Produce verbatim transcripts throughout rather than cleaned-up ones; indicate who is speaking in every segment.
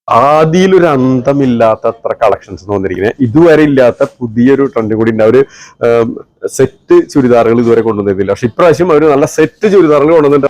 Speaker 1: ആദിയിലൊരു അന്തമില്ലാത്ത അത്ര കളക്ഷൻസ് വന്നിരിക്കുന്നത്. ഇതുവരെ ഇല്ലാത്ത പുതിയൊരു ട്രെൻഡ് കൂടി ഉണ്ട്. അവര് സെറ്റ് ചുരിദാറുകൾ ഇതുവരെ കൊണ്ടുവന്നിരുന്നില്ല. പക്ഷെ ഇപ്രാവശ്യം അവര് നല്ല സെറ്റ് ചുരിദാറുകൾ കൊണ്ടുവന്നിട്ടുണ്ട്.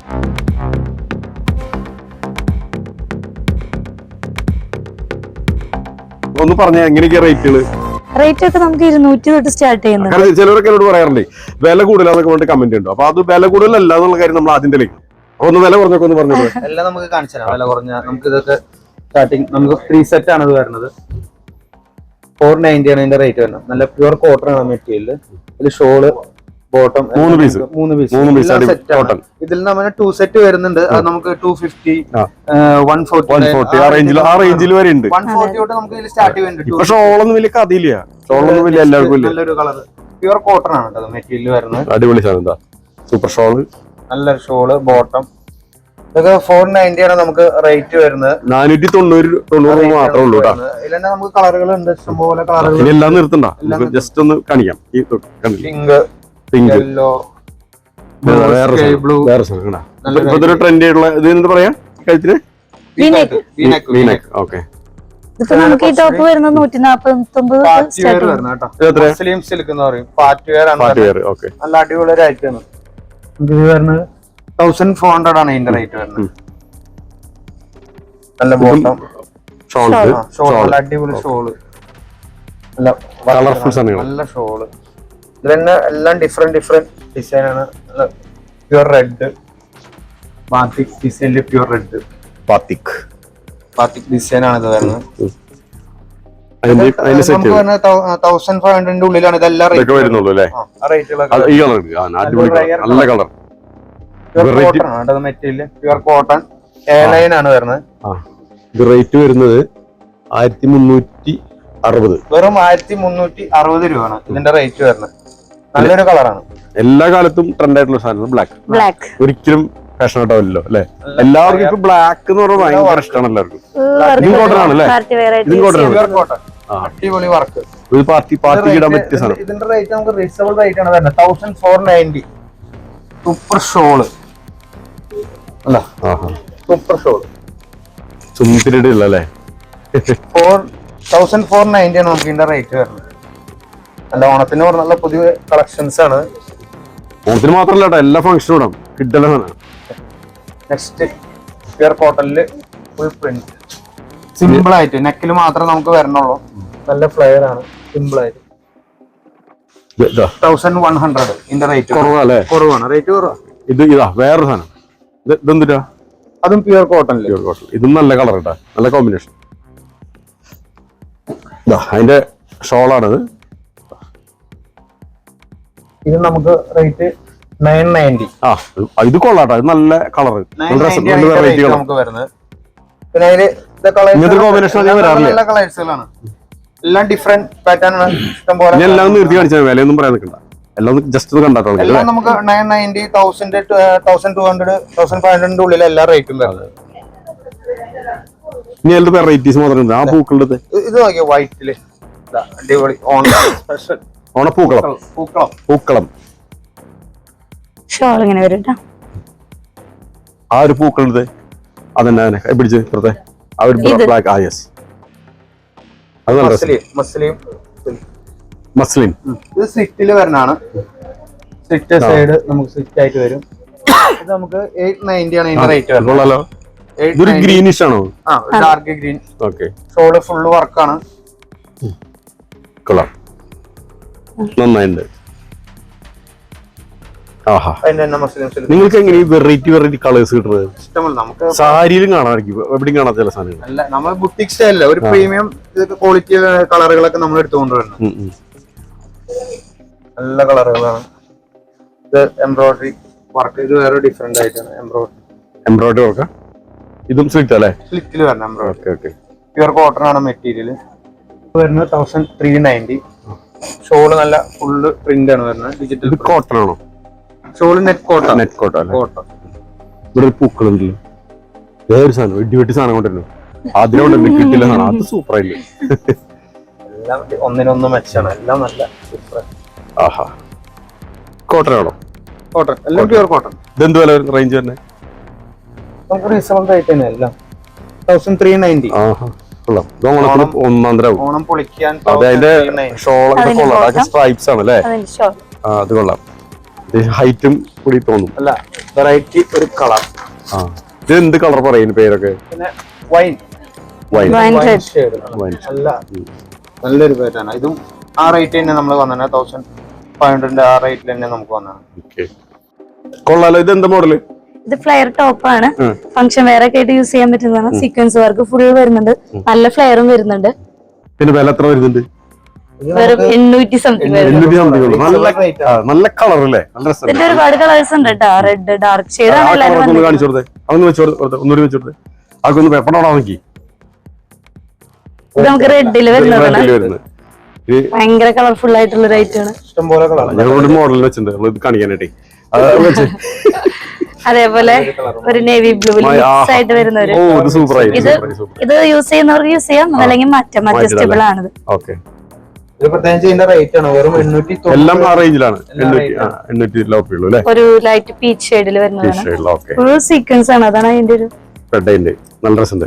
Speaker 1: ഒന്ന് പറഞ്ഞ എങ്ങനെയൊക്കെയാ റേറ്റുകൾ?
Speaker 2: റേറ്റ് ഒക്കെ നമുക്ക് ഇരുന്നൂറ്റി തൊട്ട് സ്റ്റാർട്ട് ചെയ്യുന്നത്.
Speaker 1: ചിലരൊക്കെ എന്നോട് പറയാറുണ്ട് വില കൂടുതലാന്നൊക്കെ പറഞ്ഞിട്ട് കമന്റ് ഉണ്ടോ. അപ്പൊ അത് വില കൂടുതലല്ല എന്നുള്ള കാര്യം നമ്മൾ ആദ്യം തെളിയിക്കും. അപ്പൊ ഒന്ന് വില കുറഞ്ഞൊക്കെ ഒന്ന് പറഞ്ഞത്
Speaker 3: എല്ലാം നമുക്ക് കാണിച്ചു തരാം. വില കുറഞ്ഞ നമുക്ക് ഇതൊക്കെ സ്റ്റാർട്ടിങ് നമുക്ക് ത്രീ സെറ്റ് ആണ് ഇത് വരുന്നത്. ഫോർ നയൻറ്റി ആണ് ഇതിന്റെ റേറ്റ് വരുന്നത്. നല്ല പ്യുവർ കോട്ടൺ ആണ് മെറ്റീരിയൽ. ഇത് ഷോള് ബോട്ടം മൂന്ന് പീസ് മൂന്ന് പീസ് സെറ്റ് ആണ്. ഇതിൽ നമ്മൾ ടു സെറ്റ് വരുന്നുണ്ട്. അത് നമുക്ക് ടു ഫിഫ്റ്റി വൺ ഫോർട്ടി
Speaker 1: ആ റേഞ്ചിൽ ആ റേഞ്ചിൽ വരെ ഉണ്ട്.
Speaker 3: വൺ ഫോർട്ടി തൊട്ട് നമുക്ക് ഇതിൽ സ്റ്റാർട്ട് ചെയ്യുന്നുണ്ട്.
Speaker 1: പക്ഷെ ഷോളൊന്നും വലിയ കഥയില്ല. ഷോളൊന്നും വലിയ എല്ലാവർക്കും
Speaker 3: നല്ലൊരു കളർ പ്യുവർ കോട്ടൺ ആണ് കേട്ടോ മെറ്റീരിയൽ വരുന്നത്.
Speaker 1: അടിപൊളി സാധനം. എന്താ സൂപ്പർ ഷോള്,
Speaker 3: നല്ലൊരു ഷോള് ബോട്ടം. ഇതൊക്കെ ഫോർ നയൻറ്റി ആണ് നമുക്ക് റേറ്റ് വരുന്നത്.
Speaker 1: നാനൂറ്റി തൊണ്ണൂറ് തൊണ്ണൂറ് മാത്രമേ ഉള്ളൂ.
Speaker 3: ഇതിൽ തന്നെ നമുക്ക് കളറുകൾ ഉണ്ട്, ഇഷ്ടംപോലെ കളറുകൾ.
Speaker 1: എല്ലാം നിർത്തണ്ട, ജസ്റ്റ് ഒന്ന് കാണിക്കാം.
Speaker 3: പിങ്ക്, യെല്ലോ, സ്കൈ ബ്ലൂ,
Speaker 1: ഇതൊരു ട്രെൻഡ് ആയിട്ടുള്ള ഇത് എന്താ പറയാ കഴുത്തിന് ഓക്കെ.
Speaker 2: ഇപ്പൊ നമുക്ക് ഈ ടോപ്പ് വരുന്നത് നൂറ്റി നാപ്പത്തി ഒമ്പത്.
Speaker 3: മുസ്ലിം സിൽക്ക് എന്ന് പറയും. പാർട്ടി വെയർ ആണ്. നല്ല അടിപൊളി ഒരു ഐറ്റം ആണ്. ഇത് വരുന്നത് തൗസൻഡ് ഫോർ ഹൺഡ്രഡ് ആണ് ഇതിന്റെ റേറ്റ് വരുന്നത്. നല്ല ബോട്ടം ഷോൾ, നല്ല അടിപൊളി ഷോള്, നല്ല കളർഫുൾ നല്ല ഷോള്. ഇത് തന്നെ എല്ലാം ഡിഫറെന്റ് ഡിഫറെന്റ് ഡിസൈൻ ആണ്. പ്യുവർ റെഡ് ബാത്തിക് ഡിസൈനില് pure red batik batik design ആണ് ഇത് വരുന്നത്. തൗസൻഡ് ഫൈവ് ഹൺഡ്രഡിന്റെ ഉള്ളിലാണ് ഇതെല്ലാം material. Pure cotton A line ആണ് വരുന്നത്.
Speaker 1: റേറ്റ് വരുന്നത് ആയിരത്തി മുന്നൂറ്റി അറുപത്
Speaker 3: വെറും ആയിരത്തി മുന്നൂറ്റി അറുപത് രൂപയാണ് ഇതിന്റെ റേറ്റ് വരുന്നത്. നല്ലൊരു കളറാണ്.
Speaker 1: എല്ലാ കാലത്തും ട്രെൻഡ് ആയിട്ടുള്ള സാധനം ബ്ലാക്ക്.
Speaker 2: ബ്ലാക്ക്
Speaker 1: ഒരിക്കലും ഫാഷൻ ആയിട്ടാവില്ലല്ലോ അല്ലെ. എല്ലാവർക്കും ഇപ്പൊ ബ്ലാക്ക് എന്ന് പറഞ്ഞാൽ ഭയങ്കര ഇഷ്ടമാണ് എല്ലാവർക്കും. ഇതും കോട്ടൺ ആണല്ലേ? ഇതും കോട്ടൺ.
Speaker 3: അടിപൊളി വർക്ക്.
Speaker 1: ഒരു പാർട്ടി പാർട്ടി ഇടാൻ പറ്റിയ സാധനം.
Speaker 3: ഇതിന്റെ റേറ്റ് നമുക്ക് റീസണബിൾ റേറ്റ് ആണ് വരുന്നത്. Thousand four ninety. Super shawl അല്ല സൂപ്പർ ഷോള്
Speaker 1: ചുമത്തിലിടില്ല അല്ലേ.
Speaker 3: ഫോർ തൗസൻഡ് ഫോർ നയൻറ്റി ആണ് നമുക്ക് ഇതിന്റെ റേറ്റ് വരുന്നത്. നല്ല ഓണത്തിന് നല്ല പുതിയ കളക്ഷൻസ് ആണ്.
Speaker 1: ഓണത്തിന് മാത്രമല്ല കേട്ടോ, എല്ലാ ഫംഗ്ഷനും ഇടാം. കിട്ടലാണ്.
Speaker 3: നെക്സ്റ്റ് പ്യുവർ കോട്ടണില് ഫുൾ പ്രിന്റ്. സിമ്പിൾ ആയിട്ട് നെക്കിൽ മാത്രമേ നമുക്ക് വരണുള്ളൂ. നല്ല ഫ്ലെയർ ആണ്. സിമ്പിൾ ആയിട്ട് തൗസൻഡ് വൺ ഹൺഡ്രഡ് ഇതിന്റെ റേറ്റ്
Speaker 1: കുറവല്ലേ?
Speaker 3: കുറവാണ്, റേറ്റ് കുറവാണ്.
Speaker 1: ഇത് ഇതാ വേറൊരു സാധനം. ഇതെന്തിട്ടാ?
Speaker 3: അതും പ്യുവർ കോട്ടൺ.
Speaker 1: Pure cotton. ഇതും നല്ല കളർ കേട്ടാ, നല്ല കോമ്പിനേഷൻ. അതിന്റെ ഷോളാണിത്.
Speaker 3: ഇത് നമുക്ക് റേറ്റ് നയൻ നയൻറ്റി.
Speaker 1: ആ ഇത് കൊള്ളാട്ടോ, ഇത് നല്ല കളർ
Speaker 3: നമുക്ക് വരുന്നത്. പിന്നെ അതില് നല്ല കളേഴ്സുകളാണ്. എല്ലാം ഡിഫറെന്റ് പാറ്റേൺ ആണ്. ഇഷ്ടം പോലെ
Speaker 1: എല്ലാം നിർത്തി കാണിച്ചാൽ വിലയൊന്നും പറയാൻ നിൽക്കണ്ട. എല്ലാം ജസ്റ്റ് കണ്ടാട്ടോ.
Speaker 3: എല്ലാം നമുക്ക് nine ninety thousand thousand two hundred thousand five ഹൺഡ്രഡിന്റെ ഉള്ളിൽ എല്ലാ റേറ്റും വരുന്നത്.
Speaker 1: ഇനി അതിന്റെ വെറൈറ്റീസ് മാത്രം. ആ പൂക്കളുടെ
Speaker 3: ഇത് നോക്കിയോ വൈറ്റില് അടിപൊളി സ്പെഷ്യൽ
Speaker 1: ഓണപ്പൂക്കളം. പൂക്കളം പൂക്കളം
Speaker 2: ഷോൾ ഇങ്ങനെ വരും.
Speaker 1: ആ ഒരു പൂക്കളുടെ അതന്നെ പിടിച്ച് ഇപ്പുറത്തെ ആ ഒരു ബ്ലാക്ക്. ആ യെസ്, അത് നല്ല
Speaker 3: മസ്ലിം
Speaker 1: മസ്ലിൻ.
Speaker 3: ഇത് സ്ലിറ്റില് വരുന്നതാണ്. സ്ലിറ്റ് സൈഡ് നമുക്ക് സ്ലിറ്റ് ആയിട്ട് വരും. ഇത് നമുക്ക് എയ്റ്റ് നയൻറ്റി ആണ് ഇതിന്റെ റേറ്റ് വരുന്നത്.
Speaker 1: ഇതൊരു ഗ്രീനിഷ് ആണോ?
Speaker 3: ആ dark green.
Speaker 1: Okay.
Speaker 3: Shawl full വർക്കാണ്.
Speaker 1: കൊള്ളാം, നന്നായിട്ടുണ്ട്. ആഹാ, നിങ്ങൾക്ക് എങ്ങനെ വെറൈറ്റി വെറൈറ്റി കളേഴ്സ് കിട്ടുന്നത്?
Speaker 3: ഇഷ്ടമല്ല നമുക്ക്.
Speaker 1: സാരിയിലും കാണാമായിരിക്കും, എവിടെയും കാണാത്ത ചില സാധനങ്ങൾ.
Speaker 3: അല്ല, നമ്മൾ ബുട്ടിക് സ്റ്റൈലല്ല, ഒരു പ്രീമിയം ക്വാളിറ്റി കളറുകളൊക്കെ നമ്മൾ എടുത്തുകൊണ്ട് വരുന്നത്. നല്ല കളറുകളാണ്. ഇത് എംബ്രോയിഡറി വർക്ക്. ഇത് വേറെ ഡിഫറെന്റ് ആയിട്ടാണ് എംബ്രോയിഡറി.
Speaker 1: Embroidery work. ഇതും സ്ലിറ്റ് അല്ലേ?
Speaker 3: സ്ലിറ്റിൽ വരണം എംബ്രോയിഡറി. പ്യുവർ കോട്ടൺ ആണ് മെറ്റീരിയൽ. വരുന്നത് തൗസൻഡ് ത്രീ നയൻറ്റി. ഷോള് നല്ല ഫുള്ള് പ്രിന്റ് ആണ് വരുന്നത്. ഡിജിറ്റൽ
Speaker 1: കോട്ടൺ ആണോ?
Speaker 3: Shawl net cotton.
Speaker 1: Net cotton. Cotton. ഇവിടെ ഒരു പൂക്കളുണ്ടല്ലോ, വേറൊരു സാധനം വെട്ടി വെട്ടി സാധനം കൊണ്ടുവരുന്നു. അതിനോട് കിട്ടില്ല സാധനം. അത് സൂപ്പർ ആയില്ലേ.
Speaker 3: എല്ലാം ഒന്നിനൊന്ന് മെച്ചാണ്. എല്ലാം നല്ല സൂപ്പർ.
Speaker 1: ആഹാ, കോട്ടൺ ആണോ?
Speaker 3: കോട്ടൺ, എല്ലാം പ്യുവർ കോട്ടൺ.
Speaker 1: ഇതെന്ത് വില റേഞ്ച് തന്നെ?
Speaker 3: നമുക്ക് റീസണബിൾ റേറ്റ് തന്നെ എല്ലാം. Thousand three ninety.
Speaker 1: ആഹാ കൊള്ളാം. ഇത് ഓണത്തിന് ഒന്നാം തരം ആവും.
Speaker 3: ഓണം പൊളിക്കാൻ
Speaker 1: അതെ അതിന്റെ ഷോളൊക്കെ കൊള്ളാം. അതൊക്കെ സ്ട്രൈപ്സ് ആണ് അല്ലേ?
Speaker 2: അതിന്റെ ഷോൾ
Speaker 1: ആ അത് കൊള്ളാം. ഹൈറ്റും കൂടി തോന്നും.
Speaker 3: അല്ല വെറൈറ്റി ഒരു കളർ.
Speaker 1: ആ ഇത് എന്ത് കളർ പറയുന്നു പേരൊക്കെ?
Speaker 3: പിന്നെ wine
Speaker 1: wine
Speaker 2: wine red
Speaker 3: shade.
Speaker 1: Wine
Speaker 3: നല്ല നല്ലൊരു പേരാണ്. ഇതും ആ റേറ്റ് തന്നെ നമ്മൾ വന്നത് തൗസൻഡ് ഫൈവ് ഹൺഡ്രഡിന്റെ ആ റേറ്റിൽ തന്നെ നമുക്ക് വന്നതാണ്.
Speaker 1: ഓക്കെ കൊള്ളാലോ. ഇത് എന്താ മോഡല്?
Speaker 2: ഇത് ഫ്ലെയർ ടോപ്പ് ആണ്. ഫംഗ്ഷൻ വെയർ ഒക്കെ ആയിട്ട് യൂസ് ചെയ്യാൻ പറ്റുന്നതാണ്. സീക്വൻസ് വർക്ക് ഫുൾ വരുന്നുണ്ട്. നല്ല ഫ്ലെയറും വരുന്നുണ്ട്.
Speaker 1: പിന്നെ വില എത്ര വരുന്നുണ്ട്?
Speaker 2: വെറും എണ്ണൂറ്റി സംതിങ് വരുന്നുണ്ട്.
Speaker 1: എണ്ണൂറ്റി സംതിങ് ഉള്ളൂ. നല്ല ആ, നല്ല കളർ അല്ലേ? നല്ല രസം.
Speaker 2: ഇതിന്റെ ഒരുപാട് കളേഴ്സ് ഉണ്ട് കേട്ടോ. റെഡ് ഡാർക്ക് ഷെയ്ഡ് ആണ് എല്ലാവരും
Speaker 1: ഒന്ന്
Speaker 2: വന്നിരിക്കുന്നത്.
Speaker 1: കാണിച്ചു കൊടുത്തേ. അതൊന്ന് വെച്ചു കൊടുത്തേ. ഒന്നുകൂടി വെച്ചു കൊടുത്തേ. അതൊക്കെ ഒന്ന് പെപ്പറോടാ നോക്കി.
Speaker 2: ഇത് നമുക്ക് റെഡില് വരുന്നതാണ്.
Speaker 1: റെഡില് വരുന്നത്. ഇത്
Speaker 2: ഭയങ്കര കളർഫുൾ ആയിട്ടുള്ള ഒരു ഐറ്റം ആണ്.
Speaker 3: ഇഷ്ടംപോലെ കളർ
Speaker 1: ഞങ്ങളോട് മോഡൽ വെച്ചിട്ടുണ്ട്. നമ്മൾ ഇത് കാണിക്കാനായിട്ടേ അത് വെച്ച്.
Speaker 2: അതേപോലെ ഒരു നേവി ബ്ലൂ മിക്സ് ആയിട്ട് വരുന്ന ഒരു
Speaker 1: ഓ ഇത് സൂപ്പർ ആയി.
Speaker 2: ഇത് ഇത് യൂസ് ചെയ്യുന്നവർക്ക് യൂസ് ചെയ്യാം. അതല്ലെങ്കിൽ മാറ്റാം. അഡ്ജസ്റ്റബിൾ ആണിത്.
Speaker 1: ഓക്കെ
Speaker 3: ഇത് പ്രത്യേകിച്ച് ഇതിന്റെ റേറ്റ് ആണ് വെറും എണ്ണൂറ്റി
Speaker 1: എല്ലാം ആ റേഞ്ചിലാണ്. എണ്ണൂറ്റി ആ എണ്ണൂറ്റി ലോപ്പേ ഉള്ളൂ അല്ലേ?
Speaker 2: ഒരു ലൈറ്റ് പീച്ച് ഷെയ്ഡിൽ വരുന്നതാണ്.
Speaker 1: ഓക്കെ
Speaker 2: ഫുൾ സീക്വൻസ് ആണ്. അതാണ് അതിന്റെ ഒരു
Speaker 1: റെഡ് നല്ല രസമുണ്ട്.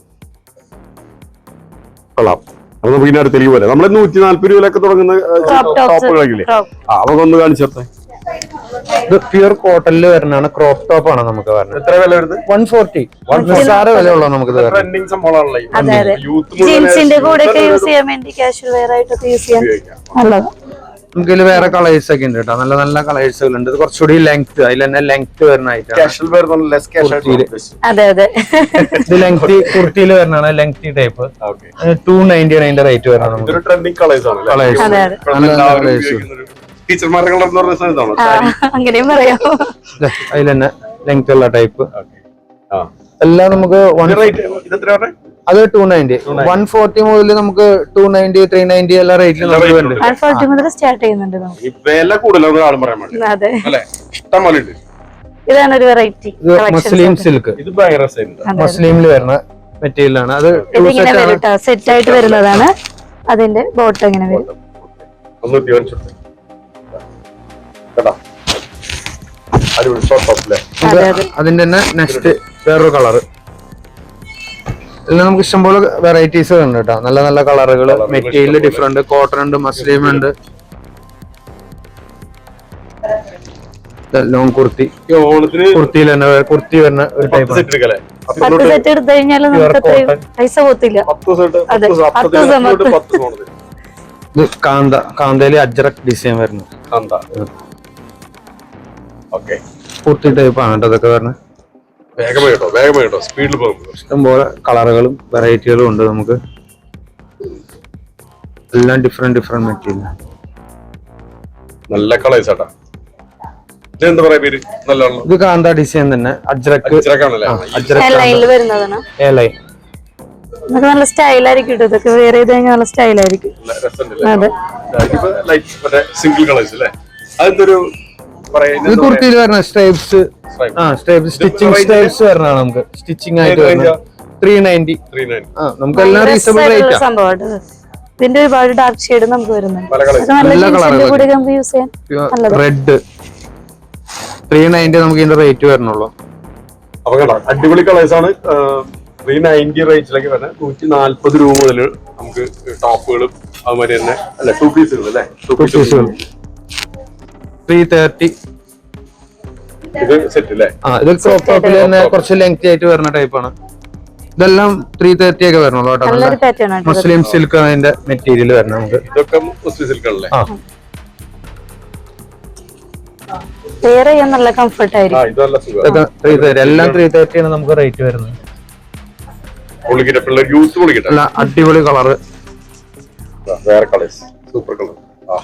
Speaker 1: കൊള്ളാം. അപ്പൊ നമുക്ക് ഇനി അടുത്തേക്ക് പോലെ നമ്മള് നൂറ്റി നാല്പത് രൂപയിലൊക്കെ തുടങ്ങുന്ന
Speaker 2: Crop tops.
Speaker 1: ടോപ്പുകളാക്കില്ലേ?
Speaker 2: Crop.
Speaker 1: ആ അതൊക്കെ ഒന്ന് കാണിച്ചേ.
Speaker 3: ഇത് പ്യൂർ കോട്ടണിൽ വരുന്നതാണ്. ക്രോപ്പ് ടോപ്പ് ആണ് നമുക്ക് വരുന്നത്.
Speaker 1: എത്ര വില വരുന്നത്?
Speaker 3: വൺ ഫോർട്ടി നിസ്സാര വില ഉള്ളൂ നമുക്ക് ഇത് വരുന്നത്.
Speaker 1: ട്രെൻഡിങ് സംഭവമാണല്ലോ.
Speaker 2: അതെ അതെ ജീൻസിന്റെ കൂടെ ഒക്കെ യൂസ് ചെയ്യാൻ വേണ്ടി കാഷ്വൽ വെയർ ആയിട്ടൊക്കെ യൂസ് ചെയ്യാൻ നല്ലതാണ്.
Speaker 3: നമുക്ക് ഇതിൽ വേറെ കളേഴ്സ് ഒക്കെ ഉണ്ട് കേട്ടോ. നല്ല നല്ല കളേഴ്സുകൾ ഉണ്ട്. ഇത് കുറച്ചുകൂടി ലെങ്ത് അതിൽ തന്നെ ലെങ്ത് വരുന്ന ഐറ്റം.
Speaker 1: കാഷ്വൽ വെയർ നല്ല ലെസ് ക്യാഷ്
Speaker 2: അതെ അതെ
Speaker 3: ഇത് ലെങ്ത് കുർത്തിയിൽ വരുന്നതാണ്. ലെങ്തി ടൈപ്പ് ടു നയൻറ്റി ആണ് അതിന്റെ റേറ്റ് വരുന്നത്. നമുക്ക്
Speaker 1: ഇതൊരു ട്രെൻഡിങ് കളേഴ്സ് ആണ്.
Speaker 3: കളേഴ്സ്
Speaker 2: അതെ അതെ
Speaker 3: നല്ല കളേഴ്സ്
Speaker 1: ടീച്ചർമാരുടെ കളർ എന്ന് പറഞ്ഞ സാധനമാണോ?
Speaker 2: ആ, അങ്ങനെയും പറയാം.
Speaker 3: അതിൽ തന്നെ ലെങ്ത് ഉള്ള ടൈപ്പ്
Speaker 1: ആ
Speaker 3: എല്ലാം നമുക്ക് വൺ
Speaker 1: റേറ്റ് ഇത് എത്ര പറഞ്ഞേ?
Speaker 3: അത് ടു നയൻറ്റി വൺ ഫോർട്ടി മുതൽ നമുക്ക് ടു നയൻറ്റി ത്രീ നയൻറ്റി എല്ലാ റേറ്റിലും നമുക്ക് വരുന്നുണ്ട്.
Speaker 2: വൺ ഫോർട്ടി മുതൽ സ്റ്റാർട്ട് ചെയ്യുന്നുണ്ട് നമുക്ക്.
Speaker 1: ഈ വില കൂടുതലൊന്നും ആളും പറയാൻ വേണ്ടി
Speaker 2: അതെ
Speaker 1: അല്ലേ? ഇഷ്ടം പോലെ ഉണ്ട്.
Speaker 2: ഇതാണ് ഒരു വെറൈറ്റി
Speaker 3: ഇത് മസ്ലിം സിൽക്ക്
Speaker 1: ഇത് ഭയങ്കര രസമുണ്ട്.
Speaker 3: മസ്ലിമിൽ വരുന്ന മെറ്റീരിയൽ ആണ്. അത്
Speaker 2: ഇതിങ്ങനെ വരും കേട്ടോ. സെറ്റ് ആയിട്ട് വരുന്നതാണ്. അതിന്റെ ബോട്ടം ഇങ്ങനെ വരും.
Speaker 1: ഒന്ന് തീവനിച്ചെടുത്ത് കേട്ടോ. അടിപൊളി ഷോർട്ട് ടോപ്പ് അല്ലേ?
Speaker 2: അതെ അതെ
Speaker 3: അതിന്റെ തന്നെ നെക്സ്റ്റ് വേറൊരു കളറ്. ഇതിൽ നമുക്ക് ഇഷ്ടംപോലെ വെറൈറ്റീസ് ഉണ്ട് കേട്ടോ. നല്ല നല്ല കളറുകൾ. Material different. കോട്ടൺ ഉണ്ട്, മസ്ലിം ഉണ്ട്, ലോങ് കുർത്തി.
Speaker 1: ഈ ഓണത്തിന്
Speaker 3: കുർത്തിയിൽ തന്നെ കുർത്തി വരുന്ന ഒരു ടൈപ്പ്
Speaker 1: സെറ്റ് എടുക്കല്ലേ?
Speaker 2: പത്ത് സെറ്റ് എടുത്തു കഴിഞ്ഞാൽ നമുക്ക് അത്രയും പൈസ പോത്തില്ല.
Speaker 1: പത്ത് സെറ്റ്
Speaker 2: അതെ, പത്ത് ദിവസം
Speaker 1: പത്ത് പത്ത് ഓണത്തിന്
Speaker 3: ഇത് കാന്ത കാന്തയില് അജ്രക് ഡിസൈൻ വരുന്നത്.
Speaker 1: എന്താ ഓക്കെ
Speaker 3: കുർത്തി ടൈപ്പ് ആണ് കേട്ടോ ഇതൊക്കെ വരുന്നത്.
Speaker 1: വേഗമായി കേട്ടോ. വേഗമായി കേട്ടോ. സ്പീഡിൽ പോകും.
Speaker 3: ഇഷ്ടംപോലെ കളറുകളും വെറൈറ്റികളും ഉണ്ട് നമുക്ക്. എല്ലാം ഡിഫറെന്റ് ഡിഫറെന്റ് മെറ്റീരിയൽ.
Speaker 1: നല്ല കളേഴ്സ് ആട്ടാ. ഇതെന്താ പറയാ പേര്? നല്ല
Speaker 3: ഇത് കാന്ത ഡിസൈൻ തന്നെ. അജ്രക്
Speaker 2: എ ലൈനിൽ വരുന്നതാണ്.
Speaker 3: എ ലൈൻ
Speaker 2: ഇതൊക്കെ നല്ല സ്റ്റൈലായിരിക്കും കേട്ടോ. ഇതൊക്കെ വേറെ ചെയ്ത് കഴിഞ്ഞാൽ നല്ല സ്റ്റൈലായിരിക്കും. അതെ
Speaker 1: സിംഗിൾ കളേഴ്സ് അല്ലേ? അതെന്തൊരു
Speaker 3: ഇത് കുർത്തിയിൽ വരുന്ന സ്ട്രൈപ്സ്. ആ സ്ട്രൈപ്സ് സ്റ്റിച്ചിങ് സ്ട്രൈപ്സ് വരുന്നതാണ് നമുക്ക്. സ്റ്റിച്ചിങ് ആയിട്ട് വരുന്നത് ത്രീ നയൻറ്റി. ആ നമുക്ക് എല്ലാം റീസണബിൾ റേറ്റ് ആണ്.
Speaker 2: സംഭവം ഇതിന്റെ ഒരുപാട് ഡാർക്ക് ഷെയ്ഡ് നമുക്ക് വരുന്നുണ്ട്.
Speaker 1: പല colours.
Speaker 2: ഇത് നല്ല
Speaker 3: നല്ല
Speaker 2: ജീൻസിന്റെ
Speaker 3: colour
Speaker 2: കൂടെ നമുക്ക് യൂസ് ചെയ്യാൻ നല്ലതാണ്.
Speaker 3: റെഡ് ത്രീ നയൻറ്റി നമുക്ക് ഇതിന്റെ റേറ്റ് വരുന്നുള്ളൂ.
Speaker 1: അപ്പൊ കേട്ടോ അടിപൊളി കളേഴ്സ് ആണ്. ത്രീ നയൻറ്റി റേറ്റിലേക്ക് വരുന്നത്. നൂറ്റി നാല്പത് രൂപ മുതൽ നമുക്ക് ടോപ്പുകളും അതുമാതിരി തന്നെ അല്ലെ ടു പീസുകൾ അല്ലേ? ടു പീസുകൾ
Speaker 3: ത്രീ തേർട്ടി.
Speaker 1: ഇത് സെറ്റ് അല്ലേ?
Speaker 3: ആ ഇത് ക്രോപ്പ് ടോപ്പിൽ തന്നെ കുറച്ച് ലെങ്തി ആയിട്ട് വരുന്ന ടൈപ്പാണ്. ഇതെല്ലാം ത്രീ തേർട്ടി ഒക്കെ വരണല്ലോ കേട്ടോ.
Speaker 2: നല്ലൊരു പാറ്റേൺ ആണ്.
Speaker 3: മുസ്ലിം സിൽക്ക് അതിന്റെ മെറ്റീരിയൽ വരണം നമുക്ക്.
Speaker 1: ഇതൊക്കെ മുസ്ലിം സിൽക്കല്ലേ?
Speaker 3: ആ
Speaker 2: വെയർ ചെയ്യാൻ നല്ല കംഫർട്ട്
Speaker 1: ആ
Speaker 2: ആയിരിക്കും.
Speaker 1: ഇത് നല്ല സുഖം.
Speaker 3: ഇതൊക്കെ ത്രീ തേർട്ടി എല്ലാം ത്രീ തേർട്ടി ആണ് നമുക്ക് റേറ്റ് വരുന്നത്.
Speaker 1: പൊളിക്കട്ടെ പിള്ളേർ യൂസ് പൊളിക്കട്ടെ.
Speaker 3: എല്ലാം അടിപൊളി കളറ്.
Speaker 1: വേറെ കളേഴ്സ് സൂപ്പർ കളർ. ആ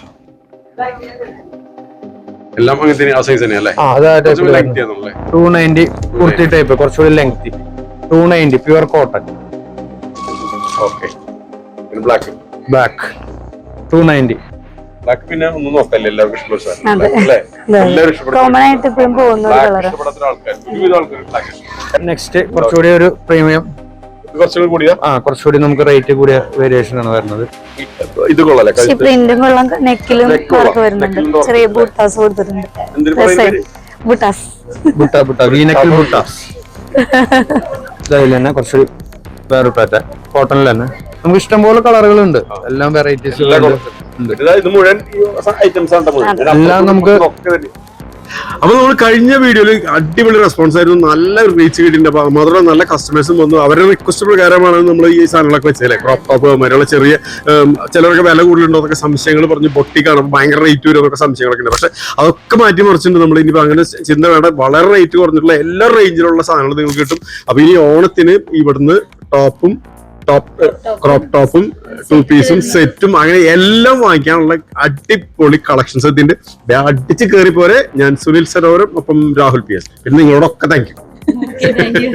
Speaker 1: എല്ലാം അങ്ങനെ ആ സൈസ് തന്നെ അല്ലേ?
Speaker 3: ആ അതായത്
Speaker 1: ലെങ്തി ആണല്ലേ?
Speaker 3: ടു നയൻറ്റി കുർത്തി ടൈപ്പ് കുറച്ചുകൂടി lengthy. Two ninety pure cotton.
Speaker 1: Okay black
Speaker 3: black two ninety.
Speaker 1: Black പിന്നെ ഒന്നും നോക്കല്ലേ എല്ലാവർക്കും ഇഷ്ടപ്പെട്ടു
Speaker 2: അതെ.
Speaker 1: അല്ലേ? എല്ലാവരും ഇഷ്ടപ്പെടും.
Speaker 2: കോമൺ ആയിട്ട് ഇപ്പോഴും പോകുന്ന ഒരു കളർ.
Speaker 1: ഇഷ്ടപ്പെടാത്ത ആൾക്കാർ ഒരുവിധ ആൾക്കാർ ബ്ലാക്ക്.
Speaker 3: നെക്സ്റ്റ് കുറച്ചുകൂടി ഒരു പ്രീമിയം.
Speaker 1: ഇത് കുറച്ചുകൂടി കൂടിയാ
Speaker 3: ആ കുറച്ചുകൂടി നമുക്ക് റേറ്റ് കൂടിയ വേരിയേഷൻ ആണ് വരുന്നത്.
Speaker 1: ഇത് കൊള്ളാല്ലേ?
Speaker 2: പ്രിന്റും കൊള്ളാം. നെക്കിലും
Speaker 1: Neck കൊള്ളാം.
Speaker 2: വർക്ക് വരുന്നുണ്ട്.
Speaker 1: Neck ലും
Speaker 2: ചെറിയ ബൂട്ടാസ് കൊടുത്തിട്ടുണ്ട്.
Speaker 1: എന്തിനു പറയുന്നത്?
Speaker 2: ബൂട്ടാസ്
Speaker 3: ബുട്ട ബുട്ട വീനക്കിൽ ബുട്ട. ഇതിൽ തന്നെ കുറച്ചുകൂടി വേറെ പാറ്റ കോട്ടണിൽ തന്നെ നമുക്ക് ഇഷ്ടംപോലെ കളറുകളുണ്ട്, എല്ലാം വെറൈറ്റീസ്
Speaker 1: ഇത് മുഴുവൻ ഐറ്റംസ് ആണ്
Speaker 3: എല്ലാം നമുക്ക്.
Speaker 1: അപ്പൊ നമ്മൾ കഴിഞ്ഞ വീഡിയോയിൽ അടിപൊളി റെസ്പോൺസ് ആയിരുന്നു, നല്ല റീച്ച് കിട്ടിയിട്ടുണ്ട്. അപ്പൊ മാത്രമല്ല നല്ല കസ്റ്റമേഴ്സും വന്നു. അവരുടെ റിക്വസ്റ്റ് പ്രകാരമാണ് നമ്മൾ ഈ സാധനങ്ങളൊക്കെ വെച്ചല്ലേ, ക്രോപ്പ് ടോപ്പ് മറ്റുള്ള ചെറിയ ചിലരൊക്കെ വില കൂടുതലുണ്ടോ എന്നൊക്കെ സംശയങ്ങൾ പറഞ്ഞ് പൊട്ടിക്കാണ്, ഭയങ്കര റേറ്റ് വരും എന്നൊക്കെ സംശയങ്ങളൊക്കെ ഉണ്ട്. പക്ഷെ അതൊക്കെ മാറ്റി മറിച്ചിട്ടുണ്ട് നമ്മൾ. ഇനിയിപ്പോ അങ്ങനെ ചിന്ത വേണ്ട, വളരെ റേറ്റ് കുറഞ്ഞിട്ടുള്ള എല്ലാ റേഞ്ചിലുള്ള സാധനങ്ങൾ നിങ്ങൾക്ക് കിട്ടും. അപ്പൊ ഇനി ഓണത്തിന് ഇവിടുന്ന് ടോപ്പും ടോപ്പ് ക്രോപ്പ് ടോപ്പും ടു പീസും സെറ്റും അങ്ങനെ എല്ലാം വാങ്ങിക്കാനുള്ള അടിപൊളി കളക്ഷൻസ് എത്തിണ്ട്. അടിച്ച് കയറി പോരെ. ഞാൻ സുനിൽ സരോവരം, ഒപ്പം രാഹുൽ പി എസ്. പിന്നെ നിങ്ങളോടൊക്കെ thank you.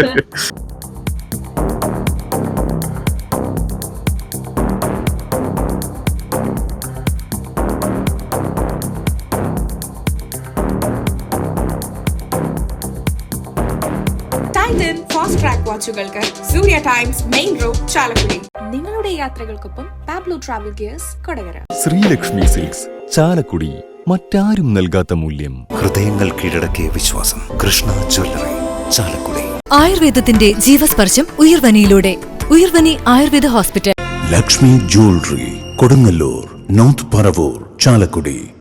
Speaker 4: Titan Fastrack വാച്ചുകൾക്ക് Surya Times main road Chalakudy. നിങ്ങളുടെ യാത്രകൾക്കൊപ്പം Pablo travel gears Kodakara.
Speaker 5: Sreelakshmi silks Chalakudy, മറ്റാരും നൽകാത്ത മൂല്യം.
Speaker 6: ഹൃദയങ്ങൾ കീഴടക്കിയ വിശ്വാസം. കൃഷ്ണ ജ്വല്ലറി, ചാലക്കുടി.
Speaker 7: ആയുർവേദത്തിന്റെ ജീവസ്പർശം ഉയർവനിയിലൂടെ. Uyarvani Ayurveda hospital.
Speaker 6: Lakshmi jewellery, Kodungallur, north Paravur, Chalakudy.